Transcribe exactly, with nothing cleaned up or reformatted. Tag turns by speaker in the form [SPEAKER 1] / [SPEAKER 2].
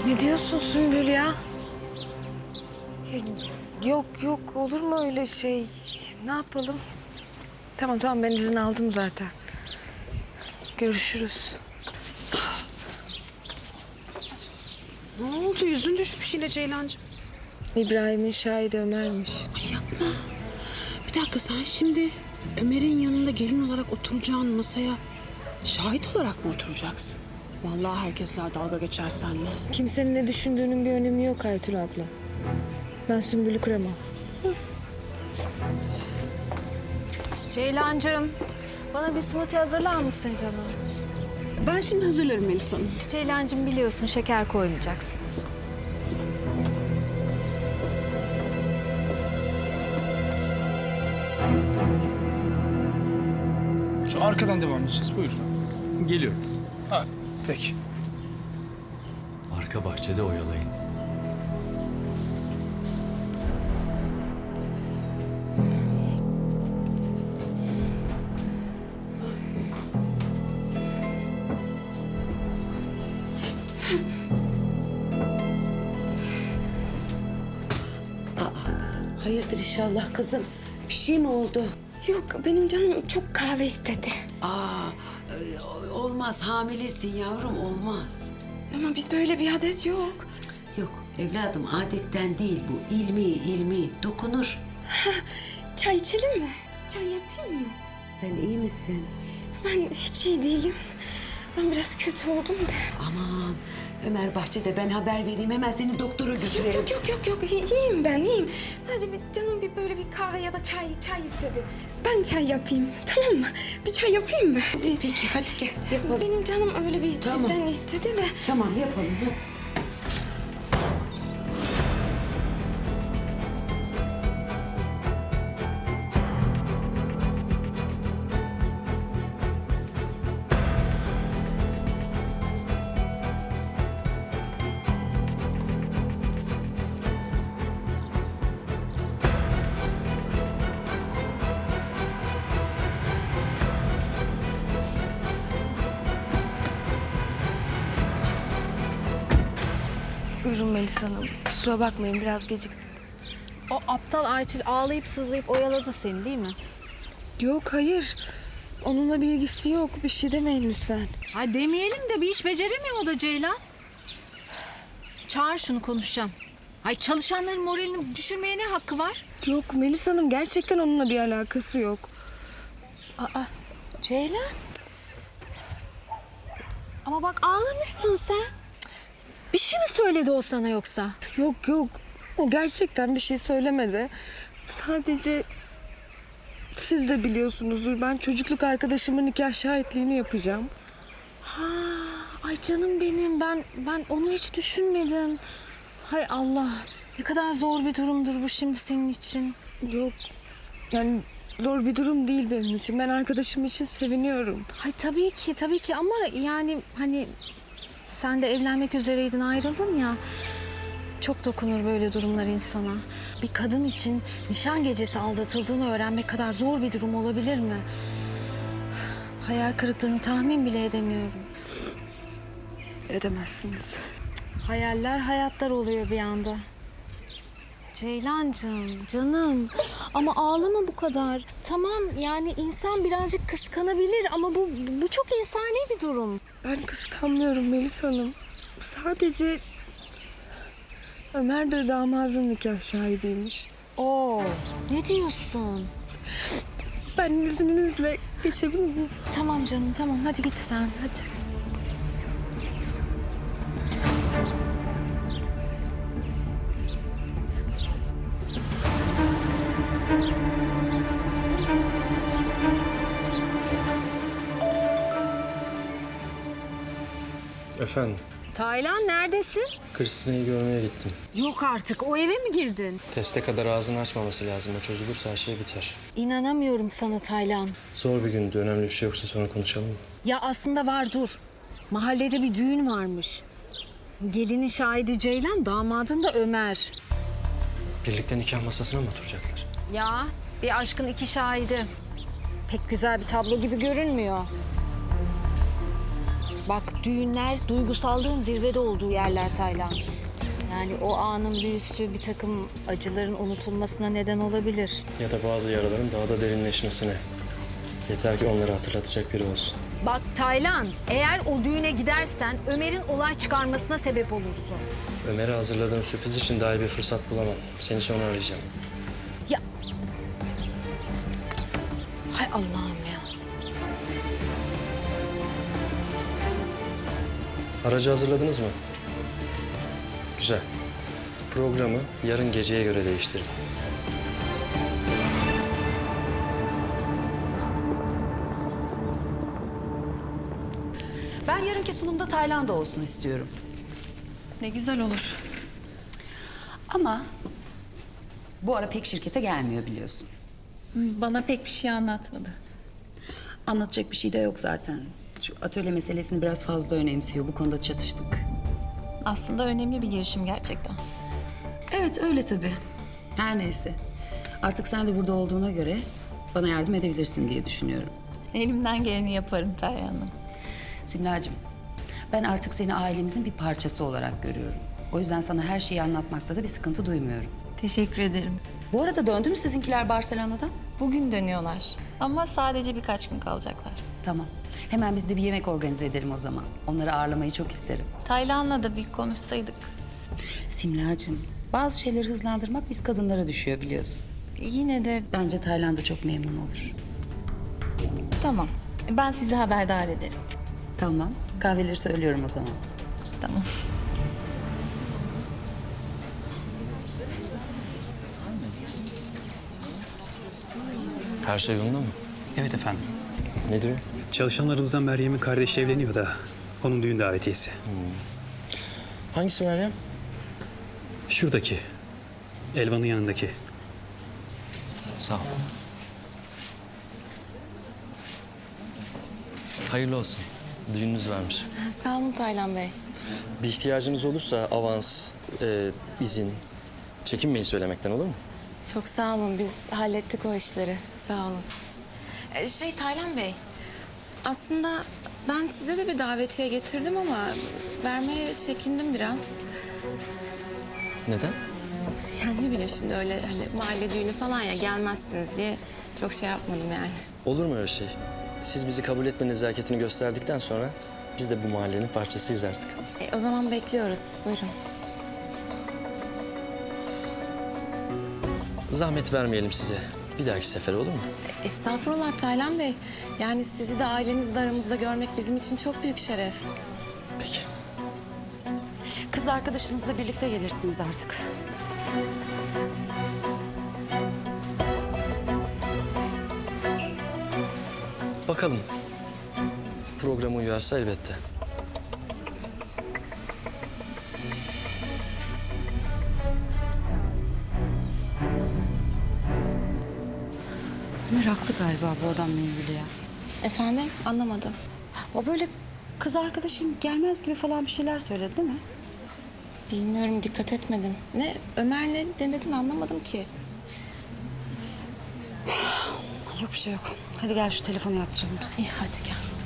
[SPEAKER 1] Ne diyorsun Sümbül ya? Ya, Yok yok, olur mu öyle şey? Ne yapalım? Tamam tamam, ben izin aldım zaten. Görüşürüz.
[SPEAKER 2] Ne oldu? Yüzün düşmüş yine Ceylancığım.
[SPEAKER 1] İbrahim'in şahidi Ömer'miş.
[SPEAKER 2] Ay yapma. Bir dakika, sen şimdi Ömer'in yanında gelin olarak oturacağın masaya şahit olarak mı oturacaksın? Vallahi herkesler dalga geçer seninle.
[SPEAKER 1] Kimsenin ne düşündüğünün bir önemi yok Aytül abla. Ben Sümbül'ü kıramam.
[SPEAKER 3] Ceylancığım, bana bir smoothie hazırlar mısın canım?
[SPEAKER 2] Ben şimdi hazırlarım Melisa Hanım.
[SPEAKER 3] Ceylancığım, biliyorsun şeker koymayacaksın.
[SPEAKER 4] Şu arkadan devam edeceğiz. Buyurun.
[SPEAKER 5] Geliyorum.
[SPEAKER 4] Ha, peki.
[SPEAKER 5] Arka bahçede oyalayın.
[SPEAKER 6] Hayırdır inşallah kızım? Bir şey mi oldu?
[SPEAKER 7] Yok, benim canım çok kahve istedi.
[SPEAKER 6] Aa, e, olmaz. Hamilesin yavrum, olmaz.
[SPEAKER 7] Ama bizde öyle bir adet yok.
[SPEAKER 6] Yok evladım, adetten değil bu. İlmi, ilmi. Dokunur.
[SPEAKER 7] Çay içelim mi? Çay yapayım mı?
[SPEAKER 6] Sen iyi misin?
[SPEAKER 7] Ben hiç iyi değilim. Ben biraz kötü oldum da.
[SPEAKER 6] Aman, Ömer bahçede, ben haber vereyim. Hemen seni doktora götürelim.
[SPEAKER 7] Yok yok yok yok, İyi- iyiyim ben, iyiyim. Sadece bir canım bir böyle bir kahve ya da çay çay istedi. Ben çay yapayım, tamam mı? Bir çay yapayım mı?
[SPEAKER 6] Peki hadi gel yapalım.
[SPEAKER 7] Benim canım öyle bir
[SPEAKER 6] Tamam.
[SPEAKER 7] birden istedi de.
[SPEAKER 6] Tamam yapalım hadi.
[SPEAKER 1] Buyurun Melisa Hanım. Kusura bakmayın, biraz geciktim.
[SPEAKER 3] O aptal Aytül ağlayıp sızlayıp oyaladı seni değil mi?
[SPEAKER 1] Yok hayır. Onunla bir ilgisi yok. Bir şey demeyin lütfen.
[SPEAKER 3] Ay demeyelim de bir iş beceremiyor o da Ceylan. Çağır şunu, konuşacağım. Ay çalışanların moralini düşürmeye ne hakkı var?
[SPEAKER 1] Yok Melisa Hanım, gerçekten onunla bir alakası yok.
[SPEAKER 3] Aa, Ceylan. Ama bak ağlamışsın sen. Bir şey mi söyledi o sana yoksa?
[SPEAKER 1] Yok yok. O gerçekten bir şey söylemedi. Sadece siz de biliyorsunuzdur. Ben çocukluk arkadaşımın nikah şahitliğini yapacağım.
[SPEAKER 3] Ha, ay canım benim, ben ben onu hiç düşünmedim. Hay Allah, ne kadar zor bir durumdur bu şimdi senin için.
[SPEAKER 1] Yok. Yani zor bir durum değil benim için. Ben arkadaşım için seviniyorum.
[SPEAKER 3] Hay tabii ki, tabii ki ama yani hani sen de evlenmek üzereydin, ayrıldın ya. Çok dokunur böyle durumlar insana. Bir kadın için nişan gecesi aldatıldığını öğrenmek kadar zor bir durum olabilir mi? Hayal kırıklığını tahmin bile edemiyorum.
[SPEAKER 1] Edemezsiniz.
[SPEAKER 3] Hayaller hayatlar oluyor bir anda. Ceylancığım, canım ama ağlama bu kadar. Tamam, yani insan birazcık kıskanabilir ama bu bu çok insani bir durum.
[SPEAKER 1] Ben kıskanmıyorum Melisa Hanım. Sadece Ömer de damadın nikah şahidiymiş.
[SPEAKER 3] Oo, ne diyorsun?
[SPEAKER 1] Ben izninizle geçebilir miyim?
[SPEAKER 3] Tamam canım, tamam, hadi git sen, hadi.
[SPEAKER 5] Efendim,
[SPEAKER 3] Taylan, neredesin?
[SPEAKER 5] Kristine'yi görmeye gittim.
[SPEAKER 3] Yok artık, o eve mi girdin?
[SPEAKER 5] Teste kadar ağzını açmaması lazım. O çözülürse her şey biter.
[SPEAKER 3] İnanamıyorum sana Taylan.
[SPEAKER 5] Zor bir gündü. Önemli bir şey yoksa sonra konuşalım mı?
[SPEAKER 3] Ya aslında var, dur. Mahallede bir düğün varmış. Gelinin şahidi Ceylan, damadın da Ömer.
[SPEAKER 5] Birlikte nikah masasına mı oturacaklar?
[SPEAKER 3] Ya bir aşkın iki şahidi. Pek güzel bir tablo gibi görünmüyor. Bak düğünler duygusallığın zirvede olduğu yerler Taylan. Yani o anın büyüsü bir takım acıların unutulmasına neden olabilir.
[SPEAKER 5] Ya da bazı yaraların daha da derinleşmesine. Yeter ki onları hatırlatacak biri olsun.
[SPEAKER 3] Bak Taylan, eğer o düğüne gidersen Ömer'in olay çıkarmasına sebep olursun.
[SPEAKER 5] Ömer'e hazırladığım sürpriz için daha iyi bir fırsat bulamam. Seni sonra arayacağım.
[SPEAKER 3] Ya... Hay Allah'ım ya.
[SPEAKER 5] Aracı hazırladınız mı? Güzel. Programı yarın geceye göre değiştirin.
[SPEAKER 8] Ben yarınki sunumda Tayland'da olsun istiyorum.
[SPEAKER 9] Ne güzel olur.
[SPEAKER 8] Ama bu ara pek şirkete gelmiyor biliyorsun.
[SPEAKER 9] Bana pek bir şey anlatmadı.
[SPEAKER 8] Anlatacak bir şey de yok zaten. Şu atölye meselesini biraz fazla önemsiyor. Bu konuda çatıştık.
[SPEAKER 9] Aslında önemli bir girişim gerçekten.
[SPEAKER 8] Evet öyle tabii. Her neyse. Artık sen de burada olduğuna göre bana yardım edebilirsin diye düşünüyorum.
[SPEAKER 9] Elimden geleni yaparım Feryal Hanım.
[SPEAKER 8] Simlacığım, ben artık seni ailemizin bir parçası olarak görüyorum. O yüzden sana her şeyi anlatmakta da bir sıkıntı duymuyorum.
[SPEAKER 9] Teşekkür ederim.
[SPEAKER 8] Bu arada döndü mü sizinkiler Barcelona'dan?
[SPEAKER 9] Bugün dönüyorlar. Ama sadece birkaç gün kalacaklar.
[SPEAKER 8] Tamam. Hemen biz de bir yemek organize edelim o zaman. Onları ağırlamayı çok isterim.
[SPEAKER 9] Taylan'la da bir konuşsaydık.
[SPEAKER 8] Simlacığım, bazı şeyleri hızlandırmak biz kadınlara düşüyor biliyorsun.
[SPEAKER 9] Yine de
[SPEAKER 8] Bence Tayland'da çok memnun olur.
[SPEAKER 9] tamam. Ben sizi haberdar ederim.
[SPEAKER 8] Tamam, kahveleri söylüyorum o zaman.
[SPEAKER 9] Tamam.
[SPEAKER 5] Her şey yolunda mı?
[SPEAKER 10] Evet efendim.
[SPEAKER 5] Nedir o?
[SPEAKER 10] Çalışanlarımızdan Meryem'in kardeşi evleniyor da onun düğün davetiyesi.
[SPEAKER 5] Hangisi Meryem?
[SPEAKER 10] Şuradaki. Elvan'ın yanındaki.
[SPEAKER 5] Sağ ol. Hayırlı olsun. Düğününüz varmış.
[SPEAKER 11] Sağ olun Taylan Bey.
[SPEAKER 5] Bir ihtiyacınız olursa avans, e, izin, çekinmeyin söylemekten olur mu?
[SPEAKER 11] Çok sağ olun. Biz hallettik o işleri. Sağ olun. Ee, şey Taylan Bey, aslında ben size de bir davetiye getirdim ama vermeye çekindim biraz.
[SPEAKER 5] Neden?
[SPEAKER 11] Yani ne bileyim şimdi öyle hani mahalle düğünü falan ya gelmezsiniz diye çok şey yapmadım yani.
[SPEAKER 5] Olur mu öyle şey? Siz bizi kabul etme nezaketini gösterdikten sonra biz de bu mahallenin parçasıyız artık.
[SPEAKER 11] E, o zaman bekliyoruz. Buyurun.
[SPEAKER 5] Zahmet vermeyelim size. Bir dahaki sefere olur mu?
[SPEAKER 11] E, estağfurullah Taylan Bey. Yani sizi de ailenizi de aramızda görmek bizim için çok büyük şeref.
[SPEAKER 5] Peki.
[SPEAKER 8] Kız arkadaşınızla birlikte gelirsiniz artık.
[SPEAKER 5] Bakalım. Programa uyarsa elbette.
[SPEAKER 8] Meraklı galiba bu adamla ilgili ya.
[SPEAKER 11] Efendim? Anlamadım.
[SPEAKER 8] O böyle kız arkadaşın gelmez gibi falan bir şeyler söyledi değil mi?
[SPEAKER 11] Bilmiyorum, dikkat etmedim. Ne? Ömer ne denedin anlamadım ki.
[SPEAKER 8] Yok bir şey yok. Hadi gel şu telefonu yaptıralım biz.
[SPEAKER 11] İyi hadi gel.